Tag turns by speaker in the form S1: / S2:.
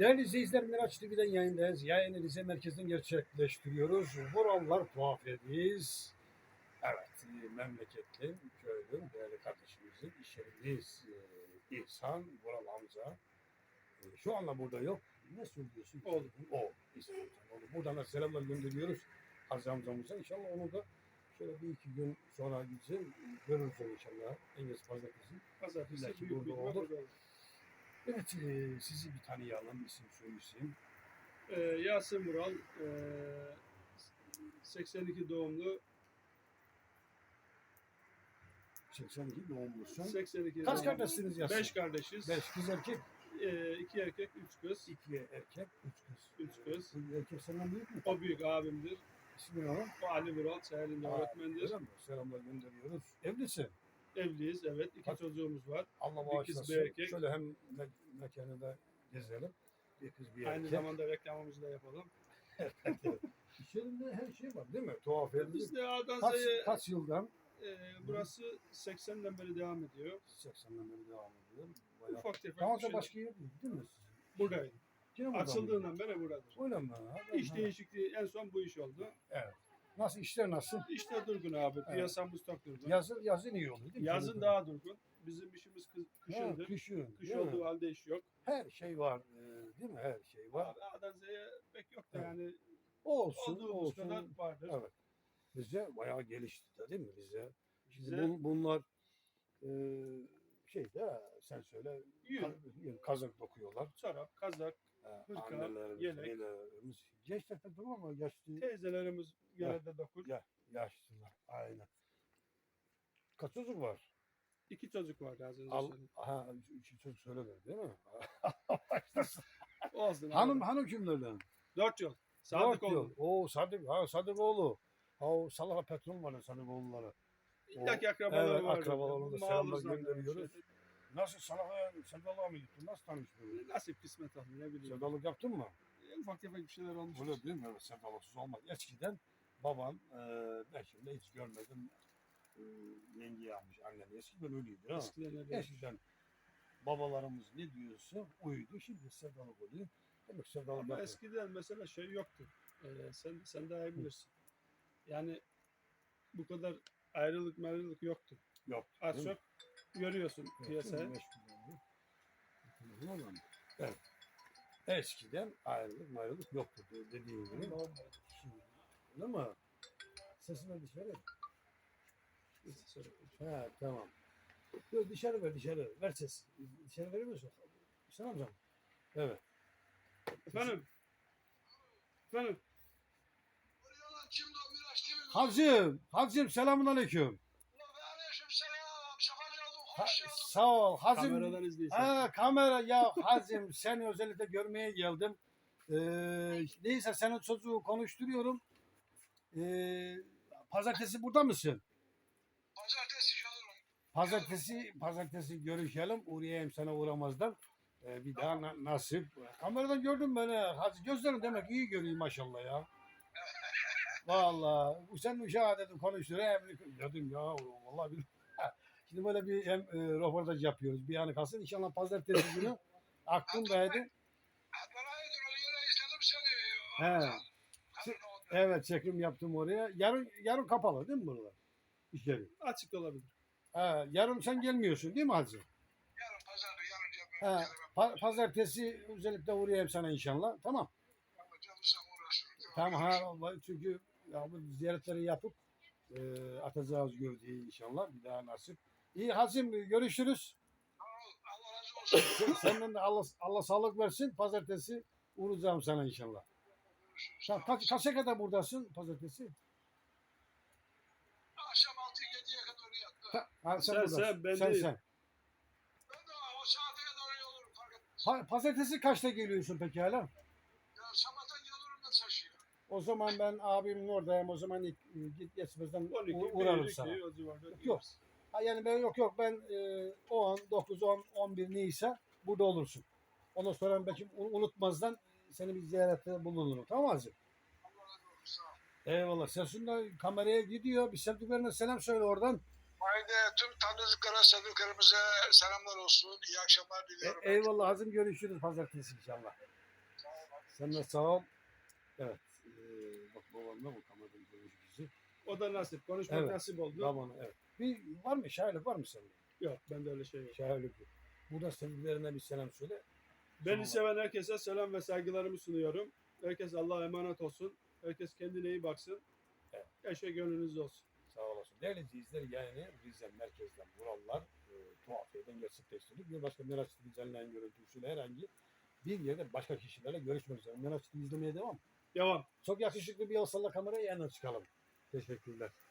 S1: Değerli izleyiciler, Miraç TV'den yayındayız. Yayını Rize merkezden gerçekleştiriyoruz. Buralar Tuhafiye'deyiz. Evet, memleketli, köylü, değerli kardeşimizin iş yerindeyiz. İhsan, Vural Hamza. Şu anda burada yok. Ne söylüyorsun?
S2: Oğlum.
S1: O, İhsan Hamza. Oğlum. Buradan da selamlar gönderiyoruz Aziz amcamıza. İnşallah onu da şöyle bir iki gün sonra gideceğim. Görürüz onu inşallah. En geç pazartesi.
S2: Pazartesi
S1: Belki
S2: büyük
S1: burada
S2: bir
S1: olur.
S2: olur.
S1: Evet, sizi bir tanıyalım, isim söylesin.
S2: Yasin Vural, 82 doğumlu.
S1: 82 doğumlusun.
S2: 82
S1: Kaç
S2: doğumlu.
S1: kardeşsiniz Yasin?
S2: 5 kardeşiz.
S1: 5 kız erkek,
S2: 2 erkek, 3 kız.
S1: 2 erkek, 3 kız.
S2: 3 kız.
S1: Bu erkek senden büyük mü?
S2: O büyük abimdir.
S1: İsmi ne o?
S2: O Ali Vural, Seher'in öğretmendir.
S1: Öyle mi? Selamlar gönderiyoruz. Evlisin.
S2: Evliyiz, evet. 2
S1: Bak.
S2: çocuğumuz var.
S1: Allah
S2: Bir kız,
S1: bağışlasın.
S2: bir erkek.
S1: Şöyle hem mekanı da gezelim. Bir kız, bir
S2: Aynı
S1: erkek.
S2: zamanda reklamımızı da yapalım.
S1: İş yerinde her şey var değil mi? Tuhaf evlilik.
S2: Biz de A'dan
S1: Kaç,
S2: Z'ye
S1: kaç yıldan?
S2: burası 80'den beri devam ediyor.
S1: 80'den beri devam ediyor. Bayağı.
S2: Ufak tefek
S1: Daha
S2: bir
S1: önce
S2: şeyler.
S1: başka yer değil mi?
S2: Buradayım.
S1: Yine buradan mı?
S2: Açıldığından beri buradadır.
S1: Öyle mi?
S2: İş değişikliği en son bu iş oldu.
S1: Evet. Nasıl, işler nasıl?
S2: İşte durgun abi.
S1: Evet.
S2: Piyasamız çok durgun.
S1: Yazın iyi oluyor değil mi?
S2: Yazın
S1: Çocuklar?
S2: daha durgun. Bizim işimiz
S1: Ha,
S2: kışındır.
S1: kışın.
S2: Kış
S1: değil mi?
S2: olduğu halde iş yok.
S1: Her şey var, değil mi? Her şey var.
S2: Abi A'dan Z'ye pek yok da
S1: Evet.
S2: yani
S1: Olsun,
S2: olduğumuz kadar
S1: olsun.
S2: vardır.
S1: Evet. Rize bayağı gelişti de değil mi Rize? Şimdi
S2: Bize
S1: bunlar şeyde sen söyle
S2: yün,
S1: kazak dokuyorlar.
S2: çorap, kazak, hırka,
S1: Annelerimiz,
S2: yelek.
S1: nelerimiz. Gençler pek durur ama yaşlı,
S2: Teyzelerimiz genelde dokur.
S1: yaşlılar. Aynen. Kaç çocuk var?
S2: 2 çocuk var az önce
S1: Al,
S2: söyledim.
S1: aha, üç çocuk söyledin değil mi?
S2: Olsun abi.
S1: hanım kimlerden?
S2: 4 yıl.
S1: Dört
S2: Sadık
S1: yıl.
S2: oldu.
S1: Oo Sadıkoğlu. O Salaha Petrol var ya Sadıkoğulları.
S2: İlla ki akrabaları
S1: Evet,
S2: var.
S1: akrabalarına da
S2: Mağlup
S1: selamlar
S2: zannediyorum
S1: gönderiyoruz.
S2: işte.
S1: Nasıl Salah'a, Sevdalık'a mı gittin? Nasıl tanıştın?
S2: Nasip kısmet oldu ne bileyim.
S1: Sevdalık yaptın mı?
S2: Ufak tefek bir şeyler olmuş.
S1: Öyle değil mi? Evet, sevdalıksız olmaz. Eskiden baban, ben şimdi hiç görmedim, yenge yapmış annem. Eskiden öyleydi ha.
S2: Eskiden öyle.
S1: Eskiden babalarımız ne diyorsa uydu. Şimdi sevdalık oluyor. Demek sevdalık
S2: Ama
S1: yapıyor.
S2: eskiden mesela şey yoktu. Sen daha iyi bilirsin. Yani bu kadar ayrılık yoktu.
S1: Yok.
S2: Az
S1: değil mi?
S2: çok görüyorsun
S1: Evet,
S2: piyasaya.
S1: değil mi? Meşgul oldu. Evet. Eskiden ayrılık yoktu dediğin gibi. Şimdi, değil mi? Sesini dışarı.
S2: Neyse, söyle.
S1: Ha, tamam. Yok, dışarı ver. Ver ses. Dışarı verir misin? Sen amcam. Evet.
S2: Efendim?
S1: Hacım selamun aleyküm. Sağ ol. Hacım.
S2: Kameradan izleyeceğim.
S1: Ha, kamera ya Hacım seni özellikle görmeye geldim. Neyse senin çocuğu konuşturuyorum. Pazartesi burada mısın? Pazartesi görüşelim. Uğrayayım sana uğramazdan. Bir daha nasip. Kameradan gördüm beni. Hacı gözlerin demek iyi görüyor maşallah ya. Vallahi sen uşağı dedim konuşturayım. Dedim ya vallahi bir... Şimdi böyle bir hem röportaj yapıyoruz. Bir anı kalsın. İnşallah pazartesi günü aklımdaydı. He. Evet çekim yaptım oraya. Yarın kapalı değil mi buralar? İş yeri.
S2: Açık olabilir.
S1: Yarın sen gelmiyorsun değil mi Hacı? Pazartesi özellikle uğrayayım sana inşallah. Tamam. Tamam çünkü ya, bu ziyaretleri yapıp atacağız gövdeyi inşallah. Bir daha nasip. İyi Hacım görüşürüz. Senden de Allah sağlık versin. Pazartesi uğrayacağım sana inşallah. Kaça kadar buradasın pazartesi?
S3: Akşam 6-7'ye kadar yattı.
S1: Sen buradasın.
S2: ben
S1: Sen.
S2: değil.
S3: Ben de o saate kadar öyle olurum fark etmez.
S1: Pazartesi kaçta geliyorsun peki hala?
S3: Ya sabahtan gelirim da taşıyor.
S1: O zaman ben abimin oradayım. O zaman git geçmezden
S2: 12,
S1: uğrarım
S2: 1,
S1: sana.
S2: 2 o civarda.
S1: Yok. Yani ben yok ben 10, 9, 10, 11 neyse burada olursun. Ondan sonra belki unutmazdan seni bir ziyarette bulunurum. Tamam mı Hacı?
S3: Allah razı olsun. Sağ ol.
S1: Eyvallah. Sesin de kameraya gidiyor. Bir sevdiklerine selam söyle oradan.
S3: Haydi tüm tanıdıklara, sevdiklerimize selamlar olsun. İyi akşamlar diliyorum.
S1: Eyvallah Hacım görüşürüz pazartesi inşallah. Sen de sağ ol. Evet. Bak babamla bu kameradan görmüş bizi.
S2: O da nasip. Konuşmak
S1: Evet.
S2: nasip oldu.
S1: Tamam evet. Bir var mı? Şairlik var mı sende?
S2: Yok bende öyle şey yok.
S1: Şairlik yok. Burada sevgilerine bir selam söyle.
S2: Beni
S1: Tamam.
S2: seven herkese selam ve saygılarımı sunuyorum. Herkes Allah'a emanet olsun. Herkes kendine iyi baksın.
S1: Evet.
S2: Her şey gönlünüzde olsun.
S1: Sağ olasın. Değerli izleyiciler yayını Rize merkezden Vurallar tuhafiyeden gerçekleştirdik. Bir başka Miraç TV düzenleyen görüntüsüyle herhangi bir yerde başka kişilerle görüşmek üzere. Miraç TV izlemeye devam.
S2: Devam.
S1: Çok yakışıklı bir el salla kameraya yanına çıkalım. Teşekkürler.